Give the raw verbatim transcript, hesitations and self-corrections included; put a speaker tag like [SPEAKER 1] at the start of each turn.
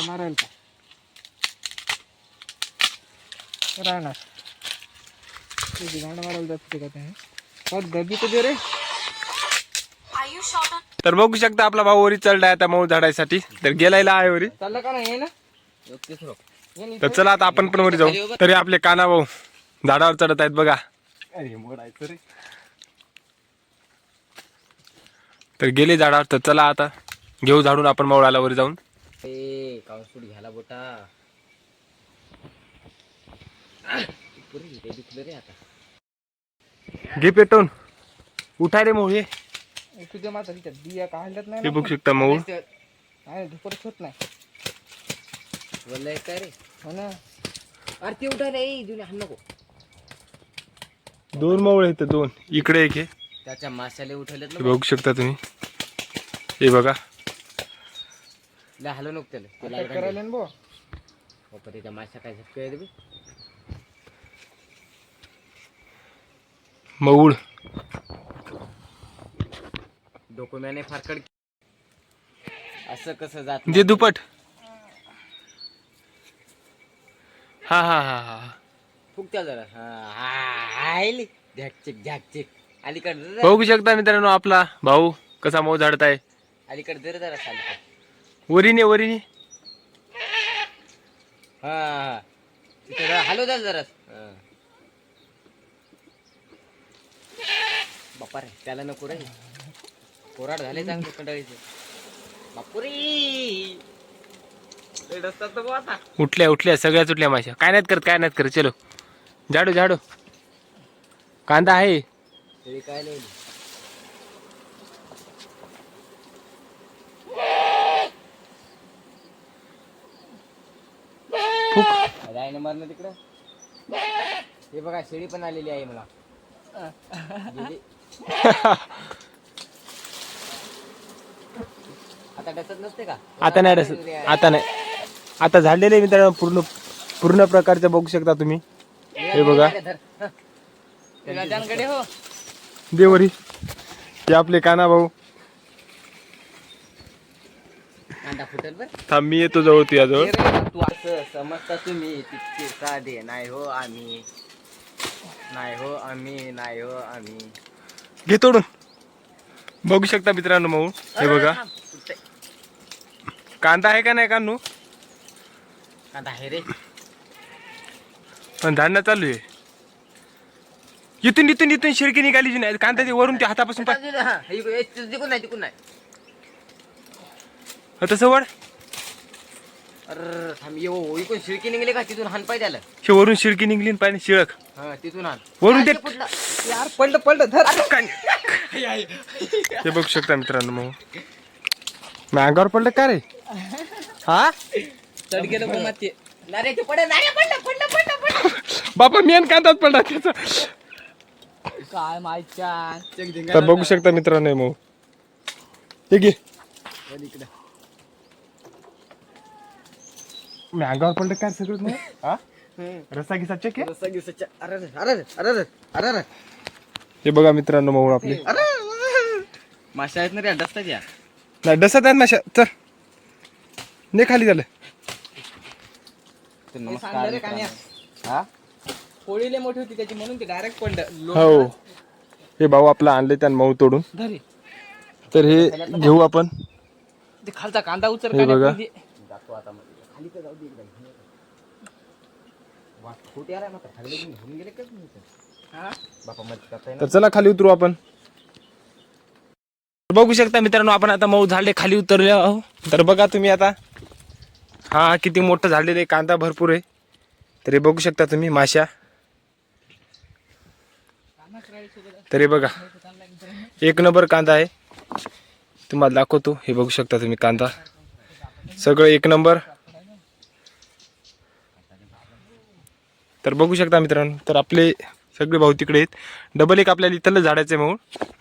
[SPEAKER 1] कांदा मारायला का राहणार कांदा मारायला जाते का ते गबी तर दे रे.
[SPEAKER 2] तर बघू शकता आपला भाऊ वरी चढलाय आता मऊ झाडायसाठी. तर गेलायला आहे वरी.
[SPEAKER 1] चाललं का नाही ना.
[SPEAKER 2] तर चला आता आपण पण वरी जाऊ. तरी आपले काना भाऊ झाडावर चढत आहेत बघा.
[SPEAKER 1] अरे मोडायचं रे.
[SPEAKER 2] तर गेले झाडावर. तर चला आता घेऊ झाडून आपण मौळाला वर जाऊन.
[SPEAKER 3] ए काउन्सूट घ्यायला बोटा रे आता
[SPEAKER 2] घे पेटवून उठाय रे मऊ. हे
[SPEAKER 1] तुझ्या माता तिच्या बिया काढल्यात नाही
[SPEAKER 2] हे
[SPEAKER 1] ना.
[SPEAKER 2] बघू शकता मऊ.
[SPEAKER 1] नाही धुपरच होत नाही.
[SPEAKER 3] बोललाय काय रे.
[SPEAKER 1] हो ना.
[SPEAKER 3] अरे ते उठा रे जुने हाण नको.
[SPEAKER 2] दोन मऊळ आहेत दोन. इकडे एक आहे.
[SPEAKER 3] त्याच्या माशाला उठवलेत
[SPEAKER 2] हे बघू शकता तुम्ही. हे बघा
[SPEAKER 3] ना हलव नको त्याला
[SPEAKER 1] आता करायला ना बो.
[SPEAKER 3] बाप्पा त्याच्या माशा काय झटके रे.
[SPEAKER 2] मऊळ
[SPEAKER 3] डोकुम्याने फारकड असं कसं जात
[SPEAKER 2] जे दुपट. हा हा हा हा
[SPEAKER 3] फुकत्या जरा हा आली झॅकचिक झॅकचिक अलीकडे
[SPEAKER 2] बघू शकता मित्रांनो आपला भाऊ कसा मऊ झाडत आहे.
[SPEAKER 3] अलीकडे जरा जरा अलीकडे
[SPEAKER 2] वरीने वरीने
[SPEAKER 3] हा हा तिथे जरा हलव द्या जरा. बाप्पा रे त्याला नको रे. कोराड झाले चांगले कंटाळीचे. बापुरी
[SPEAKER 2] उठल्या उठल्या सगळ्याच उठल्या माश्या. काय नाहीत करत काय नाहीत करत. चलो झाडू झाडू. कांदा आहे.
[SPEAKER 3] तरी काय नाही.
[SPEAKER 2] फुक
[SPEAKER 3] आहे ना मरण तिकडं. हे बघा शेळी पण आलेली आहे मला. गेली. आता डसत नसते का.
[SPEAKER 2] आता नाही डसत. आता नाही आता झालेले मित्रांनो पूर्ण पूर्ण प्रकारचं बघू शकता तुम्ही. हे बघा
[SPEAKER 1] राजांकडे हो.
[SPEAKER 2] देवरी हे आपले काना भाऊ.
[SPEAKER 3] कांदा फुटल बर.
[SPEAKER 2] थांब मी येतो जवळ तुझ्याजवळ.
[SPEAKER 3] तू असं समजता तुम्ही तितके साधे नाही हो आम्ही. नाही हो आम्ही नाही हो आम्ही.
[SPEAKER 2] घे तोडून. बघू शकता मित्रांनो मऊ. हे बघा कांदा आहे का नाही कानू.
[SPEAKER 3] कांदा आहे रे.
[SPEAKER 2] पण झाडणं चालू आहे. इथून इथून इथून शिरकी निघाली जी नाही. कांदा ते वरून त्या हातापासून पाय.
[SPEAKER 3] तिकून नाही तिकून नाही.
[SPEAKER 2] तसं वड.
[SPEAKER 3] अरे थांब येऊ इकडून शिळकी निघले का तिथून हान पाय त्याला.
[SPEAKER 2] हे वरून शिरकी निघली पाहिजे शिळक.
[SPEAKER 3] हा तिथून हान
[SPEAKER 2] वरून ते
[SPEAKER 1] यार पडलं पडलं धर.
[SPEAKER 2] हे बघू शकता मित्रांनो मग मी अंगावर पडलं का रे. हा
[SPEAKER 1] चढ गेलं माती.
[SPEAKER 3] नारे पडलं नारे पडलं पडलं पडलं पडलं.
[SPEAKER 2] बाबा मेन कांदाच पडला त्याचा.
[SPEAKER 1] काय मायच्या.
[SPEAKER 2] तर बघू शकता मित्रांनो मग हे घे. मी अंगावर पडलं काय सगळं नाही. हा रस्सा घिसा चेक आहे.
[SPEAKER 3] रस्सा गिसाच्या. अरे अरे अरे अरे अरे
[SPEAKER 2] हे बघा मित्रांनो मग आपले
[SPEAKER 3] माशा आहेत ना रे डसतात या.
[SPEAKER 2] नाही डसत आहेत माशा. चल ने खाली झालं.
[SPEAKER 3] नमस्कार हा
[SPEAKER 1] पोळीले मोठी होती त्याची म्हणून ते डायरेक्ट पडलं.
[SPEAKER 2] हो हे भाऊ आपला आणले त्यानं मऊ तोडून.
[SPEAKER 1] धरे
[SPEAKER 2] तर हे घेऊ आपण.
[SPEAKER 1] ते खालचा कांदा उचल.
[SPEAKER 2] हे बघा.
[SPEAKER 3] जातो आता खाली तर जाऊ दे एकदा. वा खोटे आलाय मात्र खाली घेऊन गेले का
[SPEAKER 1] हा
[SPEAKER 3] बापा मत करताय
[SPEAKER 2] तर चला खाली उतरू आपण. बघू शकता मित्रांनो आपण आता मऊ झाडे खाली उतरले आहो. तर बघा तुम्ही आता हा किती मोठं झालेलं आहे. कांदा भरपूर आहे. तर हे बघू शकता तुम्ही माशा. तर हे बघा एक नंबर कांदा आहे. तुम्हाला दाखवतो. हे बघू शकता तुम्ही कांदा सगळं एक नंबर. तर बघू शकता मित्रांनो तर आपले सगळे भाऊ तिकडे आहेत. डबल एक आपल्याला इथलं झाडाचे मऊ.